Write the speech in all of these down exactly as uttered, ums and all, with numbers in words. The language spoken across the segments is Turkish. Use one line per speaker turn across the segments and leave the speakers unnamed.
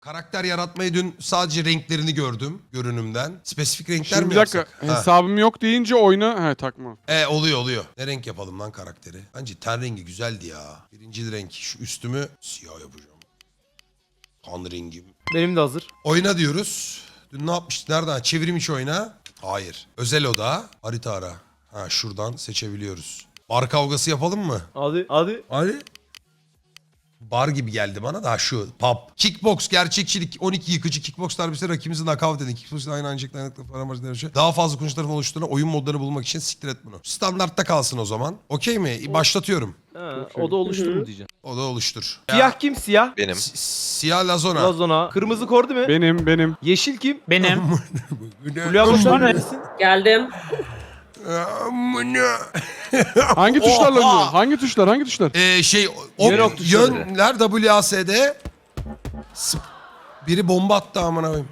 Karakter yaratmayı dün sadece renklerini gördüm görünümden. Spesifik renkler
Şimdi
mi
bir dakika
yapsak? Ha.
hesabım yok deyince oyuna he takma.
E oluyor oluyor. Ne renk yapalım lan karakteri? Bence ten rengi güzeldi ya. Birinci renk. Şu üstümü siyah yapacağım. Kan rengim.
Benim de hazır.
Oyna diyoruz. Dün ne yapmıştık? Nereden? Çevrim içi oyna. Hayır. Özel oda. Harita ara. Ha şuradan seçebiliyoruz. Bar kavgası yapalım mı?
Hadi hadi.
Hadi. Bar gibi geldi bana da şu pub. Kickbox, gerçekçilik, on iki yıkıcı kickbox darbesi rakibimizi knockout edin. Kickbox'ın aynı ancak dayanıklı para amacı dönüşü. Daha fazla kullanıcı tarafından oluşturulan oyun modlarını bulmak için siktir et bunu. Standartta kalsın o zaman. Okey mi? Başlatıyorum.
Ha, o da oluştu mu diyeceğim.
O da oluştur.
Siyah kim siyah?
Benim.
Si- Siyah lazona.
Lazona. Kırmızı kor değil mi?
Benim benim.
Yeşil kim?
Benim.
Fulya Boşan neredesin?
Geldim.
Amına.
Hangi tuşlarla
Oha!
oynuyor? Hangi tuşlar? Hangi tuşlar?
Ee, şey o
Yön ok tuşları.
yönler W A S D. Sp- Biri bomba attı amına koyayım.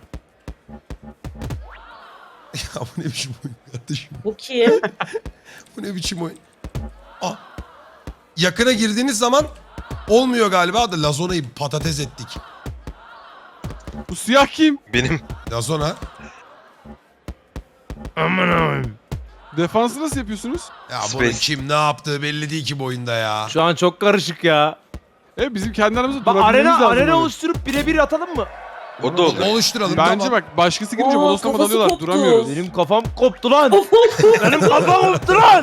Ya bu ne biçim oyun kardeşim?
Bu kim?
Bu ne biçim oyun? Ah. Yakına girdiğiniz zaman olmuyor galiba da Lazona'yı patates ettik.
Bu siyah kim?
Benim.
Lazona.
Defansı nasıl yapıyorsunuz?
Ya bunun
Space.
kim ne yaptığı belli değil ki bu oyunda ya.
Şu an çok karışık ya.
E bizim kendi aramızda
Bak
durabilmemiz
arena
lazım.
arena
hani.
oluşturup birebir atalım mı?
O da olur.
Oluşturalım
Bence
tamam.
bak başkası girince
Aa,
bodoslama
kafası
dalıyorlar.
koptu.
Duramıyoruz.
Benim kafam koptu lan. Benim kafam koptu lan.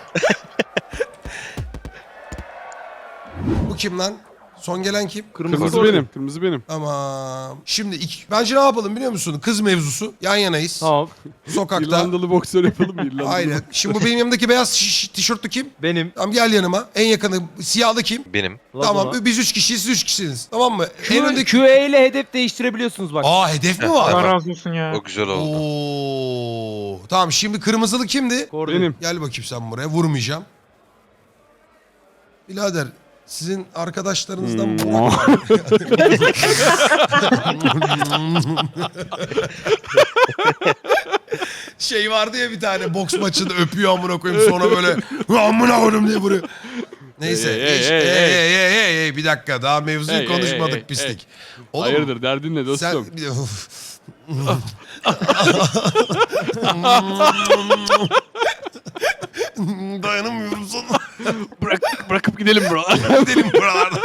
Bu kim lan? Son gelen kim?
Kırmızı
kor.
benim. Kırmızı benim.
Tamam. Şimdi iki, bence ne yapalım biliyor musun? Kız mevzusu. Yan yanayız.
Tamam.
Sokakta.
İrlandalı boksör yapalım mı? İrlandalı
Aynen. Şimdi bu benim yanımdaki beyaz şiş- tişörtlü kim?
Benim.
Tamam gel yanıma. En yakını siyahlı kim?
Benim.
Lazona.
Tamam biz üç kişiyiz siz üç kişisiniz. Tamam mı? En
Q,
öndeki...
Q E ile hedef değiştirebiliyorsunuz bak.
Aa hedef mi
Allah
var?
razı olsun ya.
O güzel oldu.
Oo. Tamam şimdi kırmızılı kimdi?
Kor
Benim.
Gel bakayım sen buraya. Vurmayacağım. Birader sizin arkadaşlarınızdan
Hmm.
bu... şey vardı ya bir tane boks maçında öpüyor amına koyayım sonra böyle amına koydum diye vuruyor. Neyse.
Hey, hey,
geç-
hey,
hey,
hey.
hey, hey, hey, hey, bir dakika daha mevzuyu
Hey, hey,
konuşmadık
hey, hey,
pislik.
hey.
Oğlum,
Hayırdır derdin ne dostum?
sen bir de... Uf. Dayanamıyorum sana.
Bırak, bırakıp gidelim bro.
Gidelim buralardan.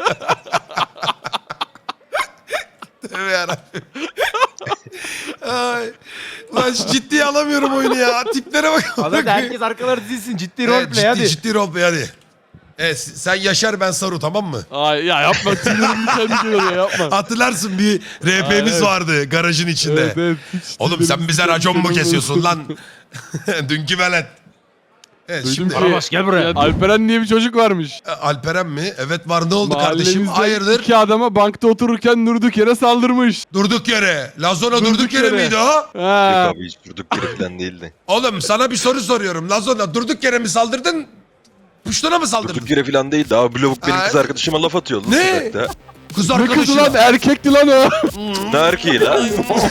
Tövbe yarabbim. Ay. Lan ciddiye alamıyorum oyunu ya. Tiplere bak.
Hadi herkes arkaları dizilsin. Ciddi
Evet,
roleplay
ciddi,
hadi.
ciddi roleplay hadi. Evet sen Yaşar ben Saru tamam mı?
Ay ya yapma tüylerim diken diken oluyor yapma.
Hatırlarsın bir R P'miz
evet.
vardı garajın içinde.
Evet, evet, hiç
Oğlum
tüylerim
sen bize
diken
racon mu
diken
kesiyorsun
oluyor.
lan? Dünkü velet. Evet
Duydum
şimdi
ki
Arabaş, gel buraya.
ya, Alperen diye bir çocuk varmış.
Alperen mi? Evet var ne oldu kardeşim?
Mahallemizde
Hayırdır?
iki adama bankta otururken durduk yere saldırmış.
Durduk yere. Lazona durduk,
Durduk
yere,
yere.
miydi o?
Yok
Ha.
abi hiç durduk yere falan değildi.
Oğlum sana bir soru soruyorum. Lazona durduk yere mi saldırdın? Puştuna mı saldırdın?
Durduk yere falan değildi. Abi lavuk benim
Ay.
kız arkadaşıma laf atıyor lan
Ne?
sokakta.
Kız
Ne kızı
arkadaşına.
lan erkekti lan o.
Ne erkeği lan?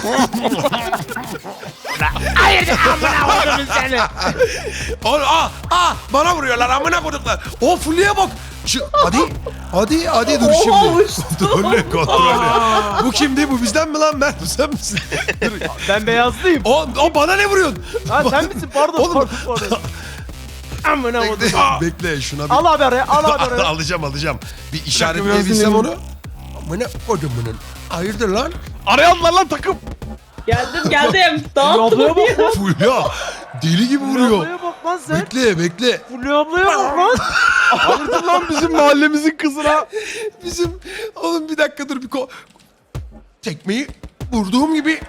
Oğlum ah ah bana vuruyorlar amına koduklar. O Fulya'ya bak. Şu, hadi hadi hadi dur
Oha,
şimdi.
uçtu.
Kontrollü kontrollü. Bu kimdi bu bizden mi lan Mert bu sen misin?
Ben beyazlıyım.
O, o bana ne vuruyorsun?
Ha sen misin? Pardon
Oğlum.
pardon pardon. Amına
Bekle,
koydum.
bekle şuna bir...
Al abi araya al abi araya.
alacağım alacağım. Bir
biraz
işaretleyebilsem
dinleyelim.
onu. Amına kodumunun. Hayırdır lan?
Arayanlar lan takım.
Geldim geldim. Dağıttım
Ablaya
onu ya.
Fulya deli gibi
Fulya
vuruyor.
ablaya bak lan sen.
Bekle bekle.
Fulya ablaya bak lan.
Hayırdır lan bizim mahallemizin kızına.
Bizim oğlum bir dakika dur bir ko... Tekmeyi vurduğum gibi...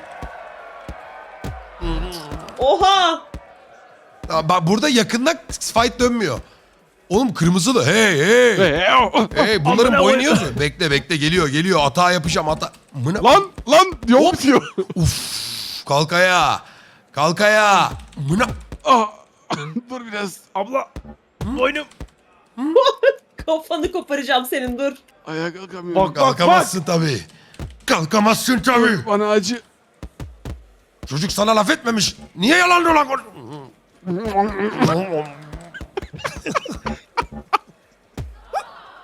Oha.
Aa, bak burada yakında fight dönmüyor. Oğlum kırmızılı hey hey. Hey bunların
Amına
boynu
koyayım.
yazıyor. Bekle bekle geliyor geliyor atağa yapacağım ata. Mına...
Lan lan yol bitiyor.
Kalk ayağa. Kalk ayağa. Mına...
Ah. Dur biraz.
Abla. Boynum.
Kafanı koparacağım senin dur.
Ayağa kalkamıyorum.
Bak bak bak.
Kalkamazsın tabii. Kalkamazsın tabii.
Bana acı.
Çocuk sana laf etmemiş. Niye yalan dolan konuş-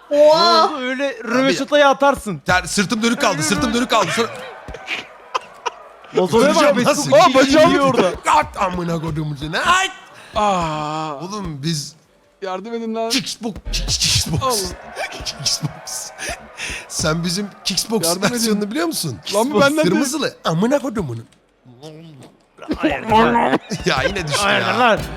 Oha.
Oldu öyle röveşatayı atarsın.
Ter, sırtım dönük kaldı. Sırtım dönük kaldı. Sonra...
Lazona'ya
Öleceğim,
bak.
nasıl?
Aa
Aa,
bacağım yiyor orada.
At amına koduğumuzu. Ne? Ay!
Aa,
Oğlum biz
yardım edin lan.
Kickbox. Kickbox.
Allah.
Kickbox. Sen bizim Kickbox
Yardım edin.
versiyonunu biliyor musun?
Lan bu benden değil.
Kırmızılı. Amına kodumunun.
Hayır.
Ya yine düştü
Hayır
ya.
lan.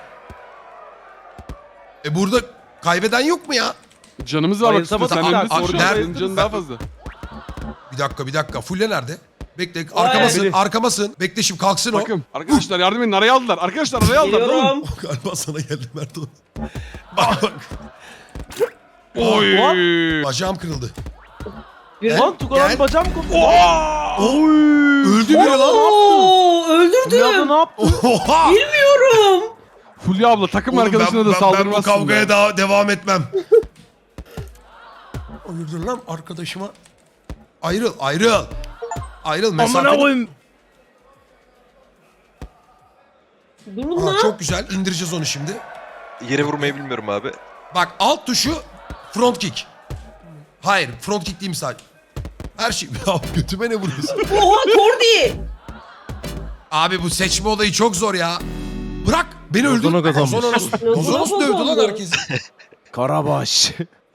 E burada kaybeden yok mu ya?
Canımız var bak.
Bayılsa
üstüne.
bak-
Sen
Aa,
önünde
aa,
sorun.
nerede?
Senin canın daha fazla.
Bir dakika bir dakika. Fulya nerede? Bekle arkamasın
Biri.
arkamasın. Bekle şimdi kalksın o.
Bakın arkadaşlar yardım edin. Araya aldılar. Arkadaşlar araya aldılar. Tamam.
Geliyorum.
Galiba sana geldi Mert oğlum. Bak bak.
Oy.
Bacağım kırıldı.
Yürü.
Lan Tugan
Gel.
bacağım koptu.
Öldü biri lan.
Oo,
Fulya abla
öldürdüm.
ne yaptı?
Oha.
Bilmiyorum.
Fulya abla takım
Oğlum
arkadaşına
ben,
da
ben, ben
saldırmazsın.
bu kavgaya
ya.
daha devam etmem. Hayırdır lan arkadaşıma. Ayrıl ayrıl. Ayrıl
Amına
mesafeli.
koyayım.
Durun
Ha,
lan.
çok güzel indireceğiz onu şimdi.
Yere vurmayı bilmiyorum abi.
Bak alt tuşu front kick. Hayır front kick değil mi sadece? Her şey. Ya götüme ne vuruyorsun?
Oha Kordi.
Abi bu seçme olayı çok zor ya. Bırak beni öldür.
Ozan'a kazanmış.
Ozan'a nasıl, Ozan'a nasıl dövdü lan
kazandı.
herkesi?
Karabaş.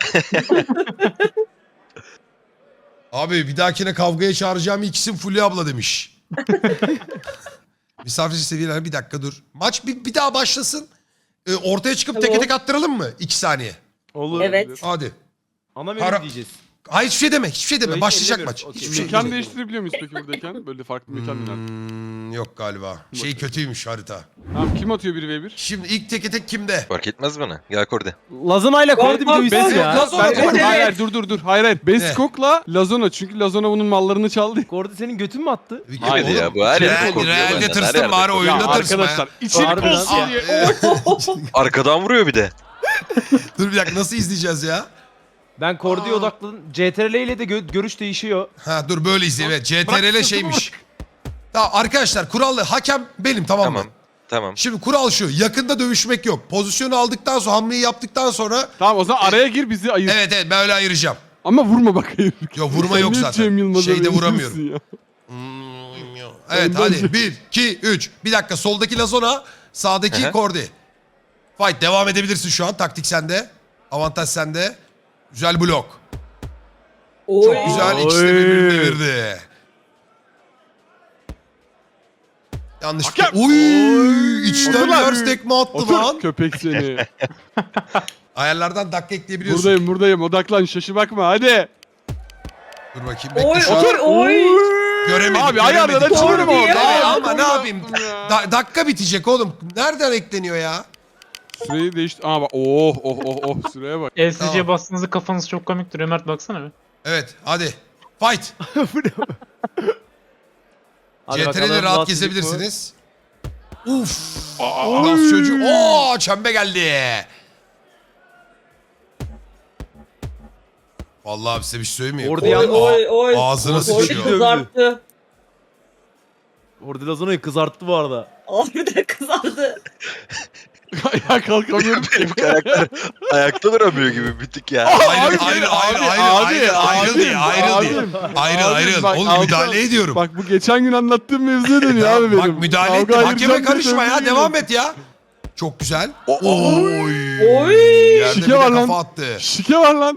Abi bir dahakine kavgaya çağıracağım ilk isim Fulya abla demiş. Misafirci seviyeler bir dakika dur. Maç bir, bir daha başlasın. Ee, ortaya çıkıp
Tamam.
teke tek attıralım mı? İki saniye.
Olur.
Evet.
Hadi.
Ana
Para-
menü diyeceğiz.
Hayır hiçbir şey deme. Hiçbir şey deme.
Öyle
Başlayacak
demiyoruz.
maç.
Okey.
Hiçbir şey
Mekan
deme.
değiştirebiliyor muyuz peki buradayken? Böyle farklı mekan mı? lazım?
Hmm, yok galiba. Şey kötüymüş harita.
Tamam kim atıyor bir ve bir?
Şimdi ilk teke tek kimde?
Fark etmez bana. Gel Korde.
Lazona ile Kordi bir
Bak,
dövüşsün
bak,
ya.
Lazona-
Bence
Evet.
hayır hayır dur dur dur. Hayır hayır. Beskok'la Lazona. Çünkü Lazona bunun mallarını çaldı.
Kordi senin götün mü attı?
Bir
Haydi
oğlum,
ya, bu her yerde
real-
korkuyor
realde
benden, her
tırsın
yerde
bari
korkuyor.
oyunda
Ya
tırsma ya.
arkadaşlar içerik
Harbiden.
olsun
Aa,
diye.
e,
Arkadan vuruyor bir de.
Dur bir dakika nasıl izleyeceğiz ya?
Ben Kordi'ye odakladım. C T R L ile de gö- görüş değişiyor.
Ha dur böyle izleyelim. Evet, C T R L
Bırak,
şeymiş. Tamam arkadaşlar kurallı hakem benim tamam mı?
Tamam. Tamam.
Şimdi kural şu yakında dövüşmek yok. Pozisyonu aldıktan sonra hamleyi yaptıktan sonra
Tamam o zaman araya gir bizi ayır.
evet evet ben öyle ayıracağım.
Ama vurma bak hayır.
Yok vurma
Sen
yok
niye
zaten.
Cem Yılmaz'a
Şeyde
benziyorsun
vuramıyorum.
ya?
Evet
Önden
hadi
Cem.
bir, iki, üç. Bir dakika soldaki Lazona sağdaki
Hı hı.
Kordi. Fight devam edebilirsin şu an taktik sende. Avantaj sende. Güzel blok.
Oy.
Çok güzel ikisi de birbirini devirdi. Yanlışlıkla.
Hakem.
Uy, içten
Otur lan.
ters tekme attı
Otur
lan.
köpek seni.
Ayarlardan dakika ekleyebiliyorsun.
buradayım buradayım odaklan şaşı bakma hadi.
Dur bakayım bekle
Oy
şu an.
oy oy.
Göremedik.
Abi
göremedik.
ayarlar açılır mı
Kordi
orada?
ya.
Ya
Aa,
ama ne
doğru
yapayım?
yaptım ya.
Da- dakika bitecek oğlum. Nereden ekleniyor ya?
Süreyi değişti. Aa bak oh oh oh oh süreye bak.
L C C'ye
Tamam.
bastığınızda kafanız çok komik duruyor. Mert baksana bir.
Evet hadi. Fight.
Hadi
C T R'de
bakalım,
rahat
Last
gezebilirsiniz. Uf. Nasıl çocuğu? Oo çembe geldi. Vallahi abi size bir şey söyleyeyim mi?
Orada
Kordi
yalnız-
Oy oy.
ağzına
Kordi
Kordi
sıçıyor.
dövdü.
kızarttı.
Kordi Lazona'yı kızarttı bu arada.
Harbiden kızardı.
Ayağa kalkamıyorum.
Benim karakter ayakta duramıyor gibi bir tık ya.
Ayrıl,
Abi,
ayrıl, ayrıl,
abi,
ayrıl,
abi,
ayrıl, ayrıl
abi,
diye, ayrıl
abi,
diye.
abi,
Ayrıl,
abi,
ayrıl.
bak,
Oğlum
Altan-
müdahale ediyorum.
Bak bu geçen gün anlattığım mevzuya dönüyor abi benim.
Bak müdahale ettim.
Kavga
Hakeme
ayıracağım
karışma
diye
ya.
döndüğüm
Devam
gibi.
et ya. Çok güzel.
O- o-
Oy.
Oy.
Yerde
Şike
bir de
var lan.
kafa attı.
Şike var lan.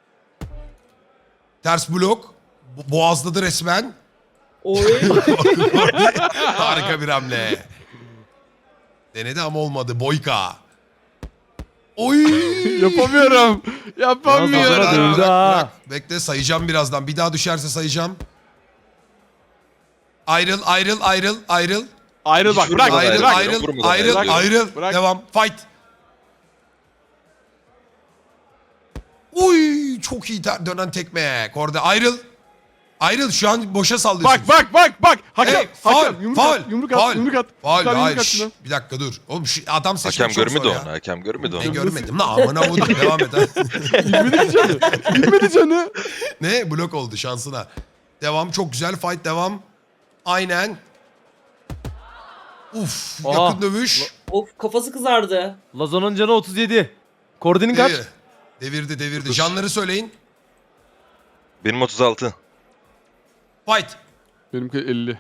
Ters blok. Bo- Boğazladı resmen.
Oy.
Harika bir hamle. Denedi ama olmadı. Boyka. Oy.
Yapamıyorum.
Biraz
Yapamıyorum.
sonra dövdü
Bırak,
ha.
bırak. Bekle sayacağım birazdan. Bir daha düşerse sayacağım. Ayrıl, ayrıl, ayrıl, ayrıl.
Ayrıl bak
Hiç
bırak.
vurmadan
Ayrıl,
bırak.
ayrıl.
ayrıl,
Vurmadan
ayrıl,
ayrıl.
ayrıl.
Bırak.
Devam. Fight. Uy, çok iyi ter- dönen tekme. Korda ayrıl. Ayrıl şu an boşa sallıyorsun.
Bak bak bak bak. Hakem.
Hey, faul,
hakem. Yumruk
faul,
at. Yumruk
faul,
at. Yumruk at.
faul,
Bir tane
hayır,
yumruk at
şş,
şuna.
bir dakika dur. Oğlum şu adam seçmek
Hakem
çok
görmedi
zor ya.
onu. Hakem görmedi
Ben
onu.
görmedim lan amına vurdum devam et. ha.
Gitmedi canı. Gitmedi canı.
Ne? Blok oldu şansına. Devam çok güzel fight devam. Aynen. Uf
Aha.
yakın dövüş.
Of kafası kızardı.
Lazona'nın canı otuz yedi. Kordi'nin kaç?
İyi. Devirdi devirdi. Canları söyleyin.
Benim otuz altı.
Fight.
Benimki elli.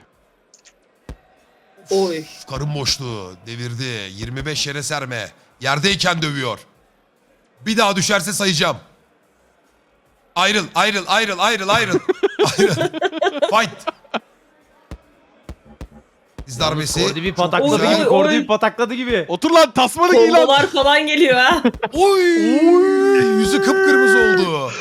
Oy.
Karın boşluğu. Devirdi. yirmi beş yere serme. Yerdeyken dövüyor. Bir daha düşerse sayacağım. Ayrıl, ayrıl, ayrıl, ayrıl, ayrıl. Ayrıl. Fight. Diz darbesi.
Kordi bir patakladı
güzel.
gibi. Kordi
Oy.
bir patakladı gibi.
Otur lan tasmanı giy lan.
Kombolar falan geliyor ha.
Oy. Yüzü kıpkırmızı oldu.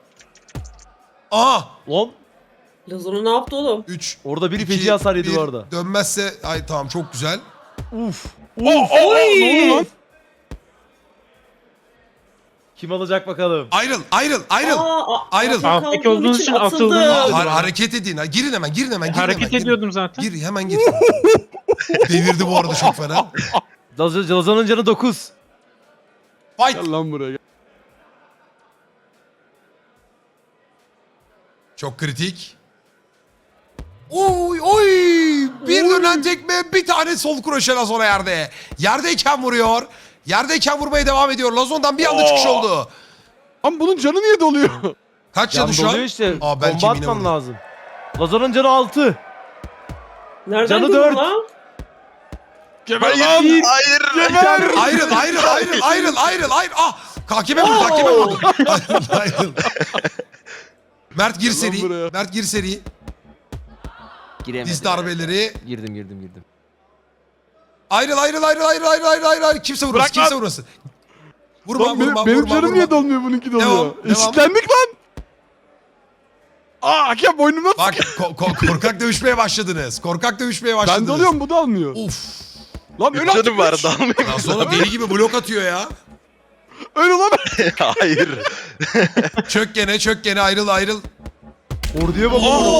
Aa.
Lan
Lazona ne yaptı oğlum?
üç.
orada biri feci hasar yedi bu arada.
Dönmezse ay tamam çok güzel.
Uf.
Oh, oh, oh, ne oldu lan?
Kim alacak bakalım?
Ayrıl, ayrıl, ayrıl.
Aa, a-
Ayrıl.
altında
Alttaki
kaldığım
olduğunuz için
atıldım.
atıldınız.
Ha- hareket edin. Ha, girin hemen, girin hemen, girin
Hareket
hemen. girin.
ediyordum zaten.
Gir, hemen gir. Devirdi bu arada çok fena.
Laz- Lazan'ın canı dokuz.
Fight.
Gel lan buraya gel.
Çok kritik. Oy oy. Bir dönen tekme, bir tane sol kroşe Lazona yerde. Yerdeyken vuruyor. Yerdeyken vurmaya devam ediyor. Lazon'dan bir anda çıkış oldu.
Lan bunun canı niye doluyor?
Kaç
Can
canı şu an?
doluyor işte.
Aa, belki
Bomba
yine
atman
vurdu.
lazım. Lazan'ın canı altı.
Nereden
Canı
buldun
dört.
lan?
Geber lan.
Hayır.
Geber.
Ayrıl, ayrıl, ayrıl, ayrıl, ayrıl, ayrıl. Ah, kakime vurdu, kakime vurdu. Ayrıl, ayrıl. Mert gir
Gel lan
seri.
buraya.
Mert gir seri.
Giremedim.
Diz darbeleri.
Girdim girdim girdim.
Ayrıl, ayrıl, ayrıl, ayrıl, ayrıl, ayrıl, ayrıl, ayrıl. Kimse vurmasın,
Bırak lan.
kimse vurmasın. Vurma,
Lan benim,
vurma,
benim
vurma,
canım
vurma.
niye dolmuyor bununki doluyor?
Devam, devam.
Eşitlendik lan. Aa hakem boynumdan
Bak ko- ko- korkak dövüşmeye başladınız. Korkak dövüşmeye başladınız.
Ben doluyorum bu da almıyor.
Uf.
Lan öl
Üç
artık
canım var
üç.
dalmayayım.
Ya sonra deli gibi blok atıyor ya.
Öl ulan.
Hayır.
Çök gene, çök gene, ayrıl, ayrıl.
Orduya bak.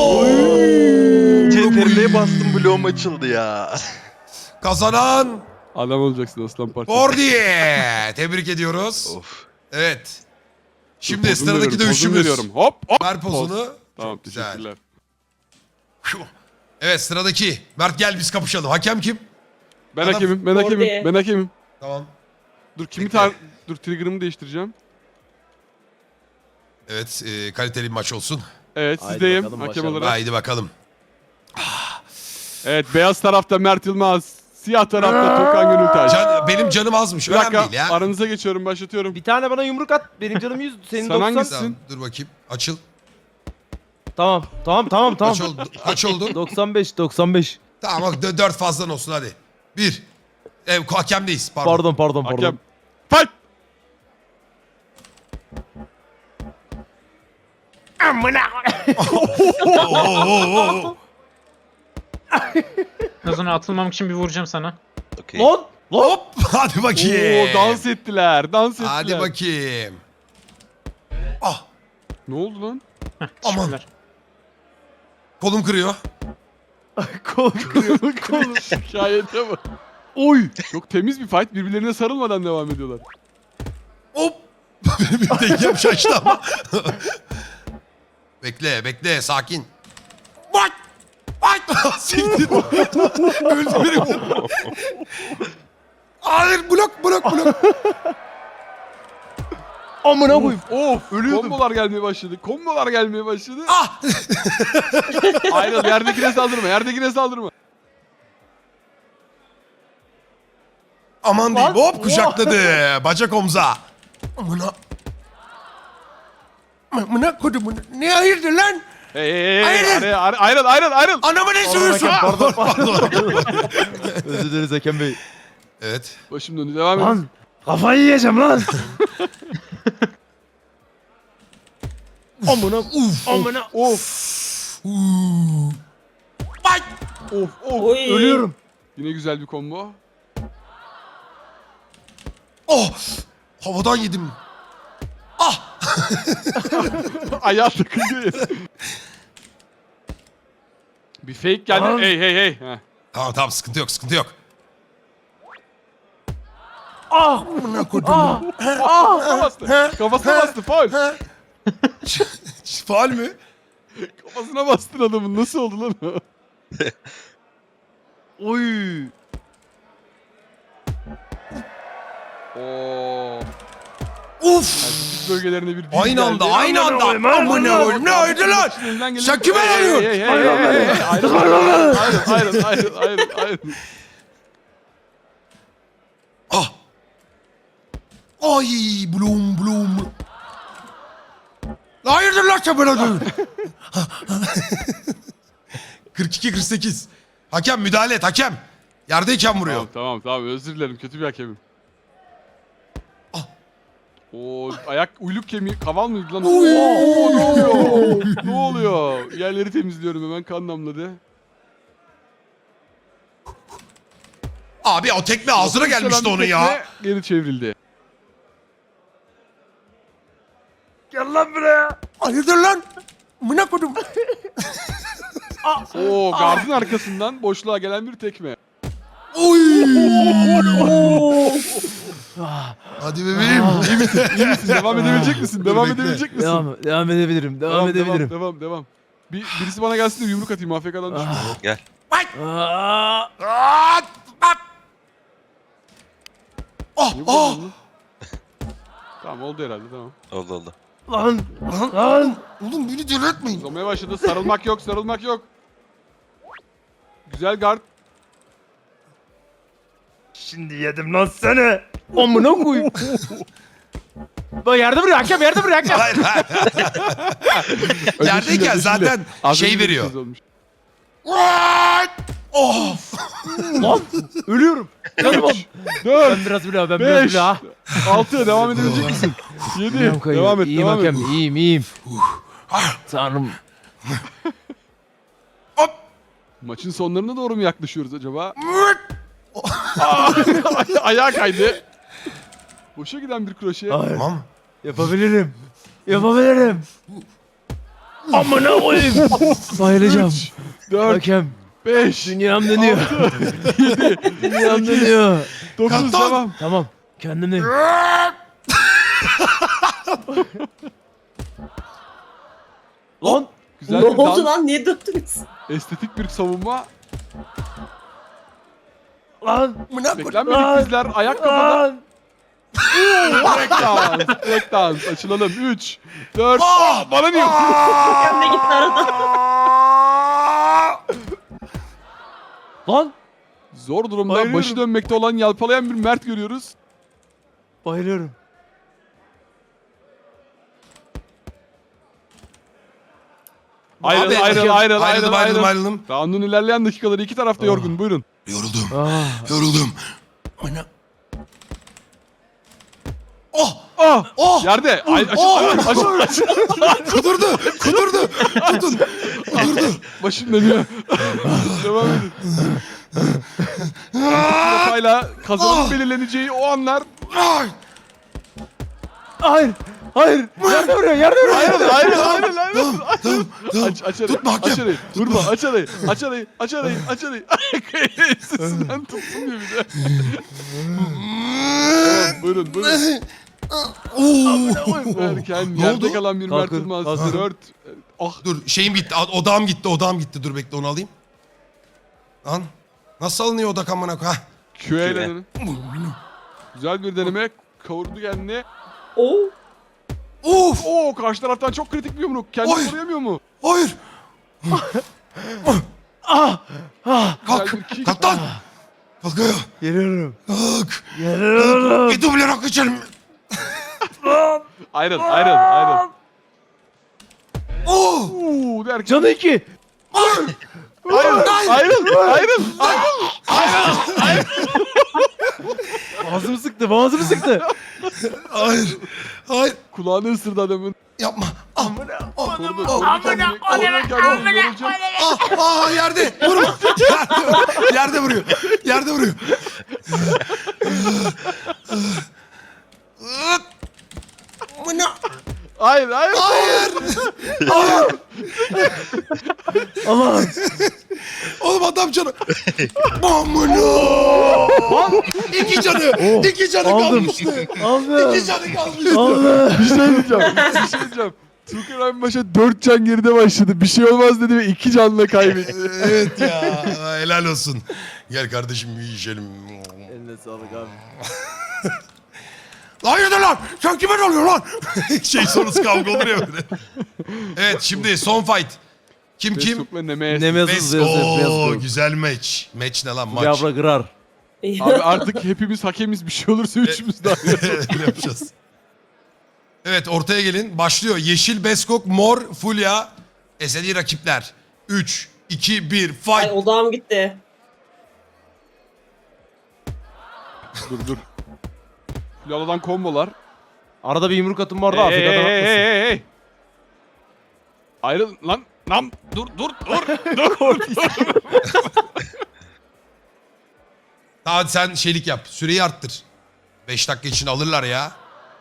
C T R L'ye bastım bloğum açıldı ya.
Kazanan
Adam olacaksın aslan parçası.
Bordiye. Tebrik ediyoruz.
Of.
Evet. Şimdi
Pozunu
sıradaki
veriyorum, pozunu
dövüşümüz.
veriyorum. Hop hop.
Ver pozunu.
Tamam
Çok güzel.
teşekkürler.
Evet sıradaki. Mert gel biz kapışalım. Hakem kim?
Ben
Adam-
hakemim, ben hakemim,
Oraya.
ben hakemim.
Tamam.
Dur kimi
Bekle.
tar... Dur trigger'ımı değiştireceğim.
Evet e, kaliteli bir maç olsun.
Evet
Haydi
sizdeyim
bakalım,
hakem
başarılı.
olarak.
Haydi bakalım.
Evet beyaz tarafta Mert Yılmaz. Siyah tarafta Tokan Gönültaş.
Can, benim canım azmış.
Bir
Önemli
dakika
değil ya.
aranıza geçiyorum başlatıyorum.
Bir tane bana yumruk at. Benim canım yüz. Senin
Sen
doksan.
hangisi?
Tamam, dur bakayım. Açıl.
Tamam. Tamam tamam tamam.
Kaç oldu? Kaç oldu?
doksan beş doksan beş.
Tamam bak dö- dört fazlan olsun hadi. Bir. Ev hakemdeyiz. Pardon.
Pardon pardon pardon.
Hakem. Fight!
Oo, oo, oo.
Lazona atılmamak için bir vuracağım sana.
Okey.
Lan! Lan!
Hop. Hadi bakayım.
Oo dans ettiler, dans ettiler.
Hadi bakayım. Ah.
Ne oldu lan?
Aman.
Teşekkürler.
Kolum kırıyor.
Kol kırıyor.
Konu şikayete bak. Oy! Çok temiz bir fight. Birbirlerine sarılmadan devam ediyorlar.
Hop. Benim bir dengem şaştı ama. Bekle bekle sakin. Fight. Fight. Siktir. Öldü biri. Hayır blok blok blok.
Amına koyayım.
Of! Ölüyordum. Kombolar gelmeye başladı. Kombolar gelmeye başladı.
Ah.
Ayrıl yerdekine saldırma. Yerdekine saldırma.
Aman diyeyim. Hop kucakladı. Bacak omza. Amına. Amına kodumun. Ne hayırdır lan?
Hey hey hey.
Ayrıl.
Ayrıl ayrıl ayrıl ayrıl. ayrıl.
Anamı ne sövüyorsun?
hakem, pardon,
Pardon.
Özür dileriz Hakem Bey.
Evet.
Başım döndü. Devam et.
Lan! Kafayı yiyeceğim lan! Amına
Uf.
amına
Of.
Uuu. Fight.
Of of.
Oy.
ölüyorum.
Yine güzel bir combo.
Oh. Havadan yedim. Ah.
Ayağı takılıyor. Bir fake geldi.
Lan.
Hey hey hey. Heh.
Tamam tamam sıkıntı yok sıkıntı yok.
Ah!
Amına kodum.
Ah!
Kafasına bastı. Kafasına bastı. Faul.
Faal mü?
Kafasına bastın adamın. Nasıl oldu lan o?
Oy!
Oo.
Uf.
Üst bölgelerine bir dil
Aynı anda,
geldi.
aynı anda.
koyayım,
Amına koyayım. Ne öyle lan?
Elinden gelen-
Sen kime
Hey, hey,
alıyorsun?
hey, hey, hey, hey, hey. Ayrıl, ayrıl, ayrıl, ayrıl, ayrıl, ayrıl.
Ah. Ay blum blum. Hayırdır lan sen bana dön. kırk iki kırk sekiz. Hakem müdahale et hakem. Yerdeyken vuruyor.
Tamam, tamam, tamam. Özür dilerim. Kötü bir hakemim.
Ah.
O ayak uyluk kemiği kaval mıydı lan?
Oy.
Oo, ne oluyor? Ne oluyor? Yerleri temizliyorum hemen, kan damladı.
Abi o tekme ağzına gelmişti onun ya.
Tekme Geri çevrildi.
Gel lan buraya.
Hayırdır lan? Mına kodum.
Oo, gardın arkasından boşluğa gelen bir tekme.
Oy. Hadi bebeğim.
İyi misin? İyi misin? Devam edebilecek misin?
Dur,
Devam
bekle.
edebilecek misin?
Devam, devam edebilirim. Devam, edebilirim.
Devam, devam, devam. Bir, birisi bana gelsin de yumruk atayım. A F K'dan düşmüş.
Gel.
Aa,
Aa, bak. Oh,
Niye
oh.
vurdun lan? Tamam, oldu herhalde, tamam.
Oldu oldu.
lan,
Lan,
lan.
oğlum beni delirtmeyin.
Uzamaya başladı. Sarılmak yok, sarılmak yok. Güzel guard.
Şimdi yedim lan seni. Amına koyayım. Bak yerde bırak hakem, yerde bırak hakem.
Hayır hayır.
Ödüşünde,
Yerdeyken
ödüşünde.
zaten
Az
şey
önce bir
veriyor.
söz olmuş.
Of.
Lan ölüyorum. Canım.
dört,
Ben biraz bile, ben biraz
beş,
bile ha.
altı. Devam edebilecek misin? yedi.
Ayağım kayıyor.
Devam et,
İyiyim
devam et.
hakem, iyiyim, iyiyim. Tanrım.
Hop.
Maçın sonlarına doğru mu yaklaşıyoruz acaba? Ayağa kaydı. Boşa giden bir kroşe.
Hayır.
Tamam.
Yapabilirim. Yapabilirim. Amına koyayım. Bayılacağım.
dört,
Hakem.
beş,
Dünyam dönüyor.
yedi,
Dünyam dönüyor.
dokuz.
Kaptan.
Devam.
Tamam. Kendimdeyim. Lan.
Güzel
Ne
bir
oldu
dans.
lan? Niye döktünüz?
Estetik bir savunma.
Lan.
Mına kodum.
Beklenmedik dizler. Ayak kafada.
Lan.
Break dans. Break dans. Açılalım. üç, dört.
Ah!
Bana niye?
Hakem de gitti arada.
Lan.
Zor durumda
Bayılıyorum.
başı dönmekte olan yalpalayan bir Mert görüyoruz.
Bayılıyorum.
Ayrıl,
Abi,
ayrıl, ayrıl, ayrıl,
Ayrıldım
ayrıl.
ayrıldım ayrıldım.
Round'un ilerleyen dakikaları iki tarafta yorgun. Buyurun.
Yoruldum.
Ah.
Yoruldum. Mına. Oh.
Ah!
Oh.
Yerde. Ay, açıl,
Oh!
açıl, açıl.
Kudurdu. Kudurdu. Tutun. Kudurdu.
Başım dönüyor. Devam edin. Kafayla kazanın
Ah!
belirleneceği o anlar.
Ay.
Hayır. Hayır. Yerde vuruyor. Yerde vuruyor.
Ayrıl, ayrıl, ayrıl, ayrıl.
Tamam tamam tamam.
Aç, aç arayı,
Tutma hakem.
aç arayı. Vurma, aç arayı, aç arayı, aç arayı, aç arayı. Sesinden tutsun diye bir de. Tamam, buyurun, buyurun.
Oo.
Derken
Ne
yerde
oldu?
kalan bir Mert
Kalkın,
Yılmaz.
kalkın.
dört. Ah,
Dur şeyim gitti. Odağım gitti. Odağım gitti. Dur bekle onu alayım. Lan. Nasıl alınıyor odak amına koy? Hah.
Q ile denin. Güzel bir deneme. Kavurdu kendini.
Oo.
Of.
Oo, karşı taraftan çok kritik bir yumruk. Kendini
Oy.
koruyamıyor mu?
Hayır.
Ah. Ah.
Kalk.
Güzel bir kick.
Kalk lan. Kalk ayağa.
Geliyorum.
Kalk.
Geliyorum.
Bir duble rakı içelim.
Ayrıl, ayrıl, ayrıl.
Oo.
Uuu derken.
Canı iki.
Hayır.
Ayrıl,
Hayır.
ayrıl, ayrıl.
Ağzımı sıktı. Ağzımı sıktı.
Hayır. Hayır.
Kulağını ısırdı adamın.
Yapma. Ah. Ah.
Korudu,
Ah.
korudu kendini. Korudu kendini. Yorulacak.
Ah. Ah. Yerde. Vurma. Yerde, yerde vuruyor. Yerde vuruyor. Mına.
Hayır, hayır.
Hayır.
Allah.
Oğlum adam canı. Amına. İki canı. İki canı
Aldım.
kalmıştı.
Aldım.
İki canı kalmıştı.
Aldım.
Bir şey diyeceğim. Bir şey diyeceğim. Tuğkan abi başa dört can geride başladı. Bir şey olmaz dedi ve iki canla kaybetti.
Evet ya. Helal olsun. Gel kardeşim bir içelim.
Eline sağlık abi.
Hayırdır lan? Sen kime ne oluyor lan? şey sonrası kavga olur ya böyle. Evet şimdi son fight. Kim kim?
Besok'la Nemes.
Nemezuz
Bes- Oo
Vezir.
güzel maç. Maç ne lan maç?
Yavra kırar.
Abi artık hepimiz hakemiz, bir şey olursa üçümüz daha.
Öyle yapacağız. Evet ortaya gelin. Başlıyor. Yeşil Beskok, mor Fulya. Ezeli rakipler. üç, iki, bir fight.
Ay odağım gitti.
dur dur. Laladan kombolar.
Arada bir yumruk atın bu arada
Hey hey
Afrika'dan
hey
atmasın.
hey hey. Ayrıl lan lan dur dur dur dur.
Hadi sen şeylik yap. Süreyi arttır. beş dakika için alırlar ya.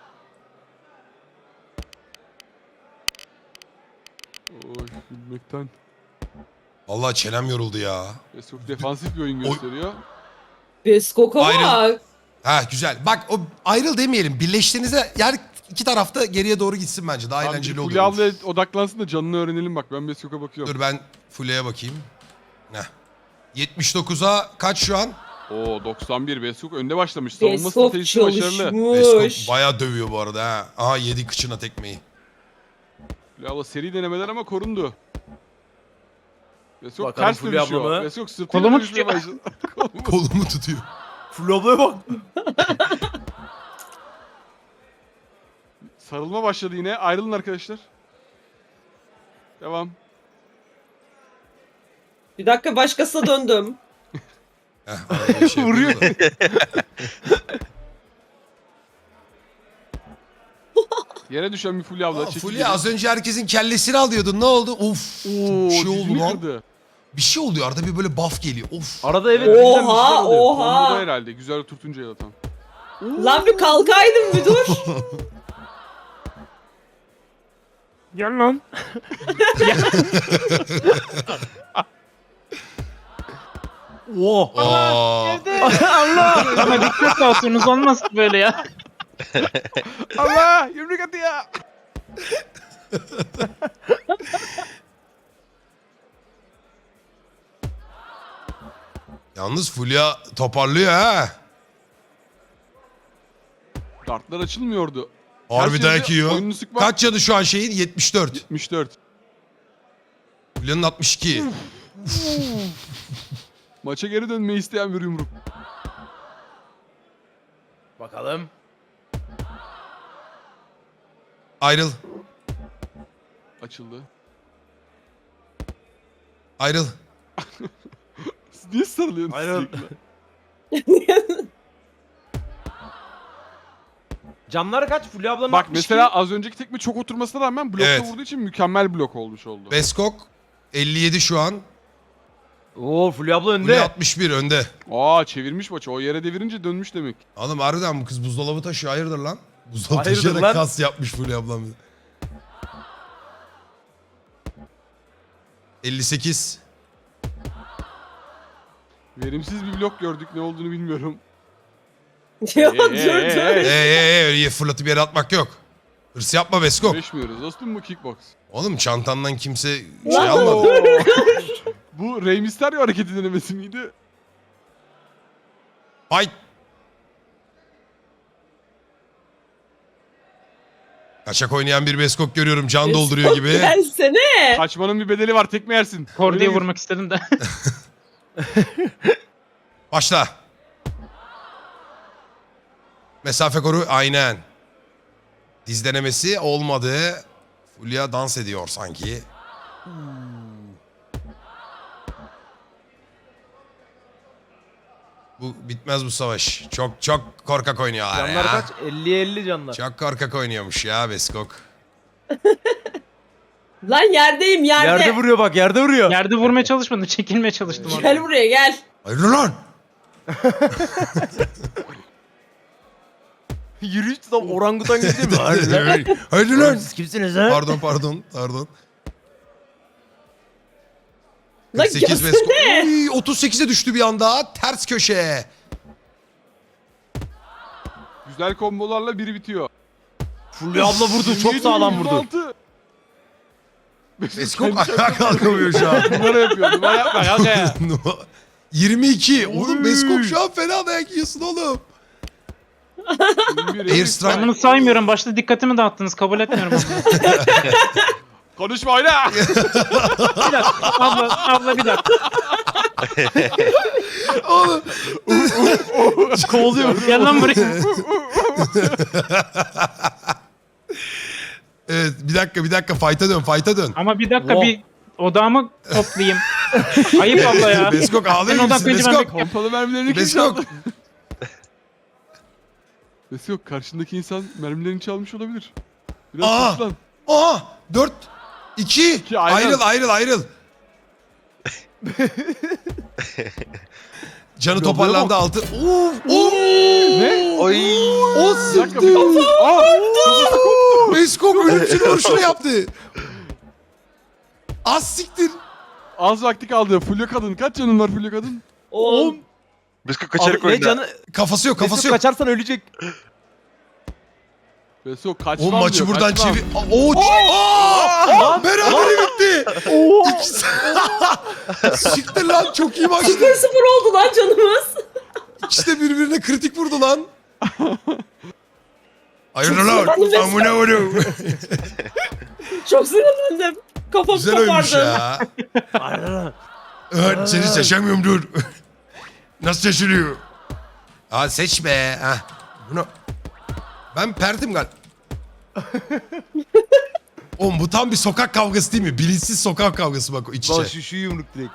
Oy gülmekten.
Vallahi çenem yoruldu ya.
Besok defansif bir oyun
Oy.
gösteriyor.
Beskok'a
Ayrı-
bak.
Ha güzel. Bak o ayrıl demeyelim. Birleştiğinizde yani iki tarafta geriye doğru gitsin bence. Daha
Abi
eğlenceli olur.
Fulya abla odaklansın da canını öğrenelim bak, ben Besok'a bakıyorum.
Dur ben Fulya'ya bakayım. Heh. yetmiş dokuza kaç şu an?
Oo doksan bir, Besok önde başlamış. Savunma
Beskok
stratejisi başarılı.
çalışmış.
Beskok bayağı dövüyor bu arada ha. Aha yedi kıçına tekmeyi.
Fulya abla seri denemeler ama korundu. Besok
Bakalım
ters
Fulya abla
dönüşüyor.
mı?
Besok sırtıyla
Kolumu
dönüşmeye
tutuyor.
başladı. Kolumu-
Kolumu tutuyor.
Flu ablaya bak.
Sarılma başladı yine. Ayrılın arkadaşlar. Devam.
Bir dakika başkasına döndüm.
Heh, arada bir şey
Vuruyor.
yapıyor da.
Yere düşen bir Fulya abla.
Aa,
çekil
Fulya
geri.
az önce herkesin kellesini alıyordun. Ne oldu? Of.
Oo,
bir şey oldu
dizini
lan.
kırdı.
Bir şey oluyor. Arada bir böyle buff geliyor. Of.
Arada evet bizden bir şeyler
Oha
oluyor.
Komboda
oha.
herhalde. Güzel oturtunca yaratan.
Lan bir kalkaydın bir dur.
Gel lan.
Oh.
Aa.
Allah! Ama dikkat dağıtıyorsunuz olmaz ki böyle ya.
Allah! Yumruk atı ya!
Yalnız Fulya toparlıyor ha.
Dartlar açılmıyordu.
Harbi
Ters
dayak
yedi,
yiyor.
oyununu sıkma.
Kaç canı şu an şeyin? yetmiş dört.
yetmiş dört.
Fulya'nın altmış iki.
Maça geri dönmeyi isteyen bir yumruk.
Bakalım.
Ayrıl.
Açıldı.
Ayrıl.
Siz niye sarılıyorsunuz
Ayrıl.
sürekli?
Canları kaç? Fulya ablanın
Bak
altmış
mesela
iki.
az önceki tekme çok oturmasına rağmen blokta
Evet.
vurduğu için mükemmel blok olmuş oldu.
Beskok elli yedi şu an.
Oo Fulya abla önde.
Fulya altmış bir önde.
Aa çevirmiş maçı. O yere devirince dönmüş demek.
Oğlum harbiden bu kız buzdolabı taşıyor. Hayırdır lan? Buzdolabı
Hayırdır
taşıyarak
lan?
kas yapmış Fulya ablam. elli sekiz.
Verimsiz bir blok gördük, ne olduğunu bilmiyorum.
Ya
Ee,
dur
ee,
dur.
ee.
Eee ee, öyle fırlatıp yere atmak yok. Hırs yapma Beskok.
Güreşmiyoruz dostum, bu kickbox.
Oğlum çantandan kimse şey
Lan
almadı.
Oo. Bu Rey Mysterio hareketi denemesi miydi?
Fight. Kaçak oynayan bir Beskok görüyorum. Can dolduruyor gibi.
Gelsene.
Kaçmanın bir bedeli var, tekme yersin.
Kor diye
Öyle bir-
vurmak istedim de.
Başla. Mesafe koru aynen. Diz denemesi olmadı. Fulya dans ediyor sanki. Bu bitmez bu savaş. Çok çok korkak oynuyorlar
Canlar
ya.
kaç? elli elli canlar.
Çok korkak oynuyormuş ya Beskok.
Lan yerdeyim yerde.
Yerde vuruyor bak, yerde vuruyor.
Yerde vurmaya çalışmadım, çekilmeye çalıştım orada.
Gel buraya gel.
Hayır lan.
Yürüyüş tam orangutan gibi değil mi? Hayır lan.
Hayır
Oğlum
lan.
Siz kimsiniz ha?
Pardon pardon pardon.
Lan
kırk sekiz
gelsene.
Beskok. Uy, otuz sekize düştü bir anda. Ters köşe.
Güzel kombolarla biri bitiyor.
Fulya abla vurdu, çok
yirmi
sağlam
yedi,
vurdu.
yirmi altı.
Beskok ayağa kalkamıyor şu an.
Numara yapıyor. Numara yapma kanka ya.
yirmi iki. Oğlum Beskok şu an fena dayak yiyorsun oğlum. Air strike.
Ben bunu saymıyorum. Başta dikkatimi dağıttınız. Kabul etmiyorum bunu.
Konuşma oyna.
Bir dakika. Abla, abla bir dakika.
Oğlum.
Kovalıyor. Gel lan buraya.
Evet bir dakika bir dakika fight'a dön fight'a dön.
Ama bir dakika
Wow.
bir odağımı toplayayım. Ayıp abla ya.
Beskok ağlıyor
Ben
gibisin
odaklayınca ben
Beskok.
Pompalı mermilerini kim
Beskok.
çaldı? Beskok karşındaki insan mermilerini çalmış olabilir. Biraz
Aa!
toplan.
Aa dört iki
İki, ayrıl.
ayrıl ayrıl ayrıl. Canı toparlandı altı. Uf, uf.
Ne?
Oy.
O
Bir dakika bir dakika. Aa!
Beskok ölümcül vuruşunu yaptı. Az siktir.
Az vakti kaldı. Fulya kadın. Kaç canın var Fulya kadın?
On.
Biskut kaçarak
Abi, ne
oyna.
canı?
Kafası yok kafası
Mesut
yok.
kaçarsan ölecek.
Beskok kaçmam
O maçı
diyor,
buradan
kaçmam.
çevir. O Aa! Berabere bitti. İkisi. Siktir lan çok iyi maçtı.
sıfır sıfır oldu lan canımız.
İkisi de birbirine kritik vurdu lan. Hayırdır lan?
sinirlendim resmen.
Amına vurun.
Çok sinirlendim. Kafam
Güzel oymuş
kopardı.
ya. Evet seni seçemiyorum dur. Nasıl seçiliyor? Aa seç be. Heh. Bunu... Ben perdim gal. Oğlum bu tam bir sokak kavgası değil mi? Bilinçsiz sokak kavgası bak o iç
Bak
içe.
şu, şu yumruk direkt.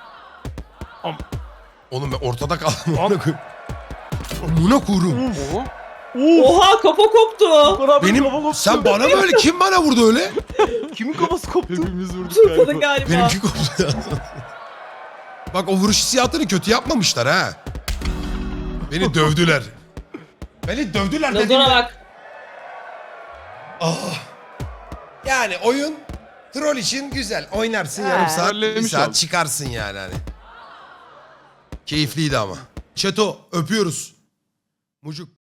Oğlum ben ortada kaldım. Amına koyayım. Amına koyayım.
Oho.
Oha kafa koptu.
Benim sen bana mı öyle kim bana vurdu öyle?
Kimin kafası koptu?
Hepimiz vurduk
Tırpadı
galiba.
galiba.
Benimki koptu ya. Bak o vuruş hissiyatını kötü yapmamışlar ha. Beni dövdüler. Beni dövdüler
Lazona
dediğimde.
bak.
Ah. Yani oyun troll için güzel. Oynarsın
Ha.
yarım saat, bir
Trollemiş
saat
olduk.
çıkarsın yani hani. Keyifliydi ama. Çeto öpüyoruz. Mucuk.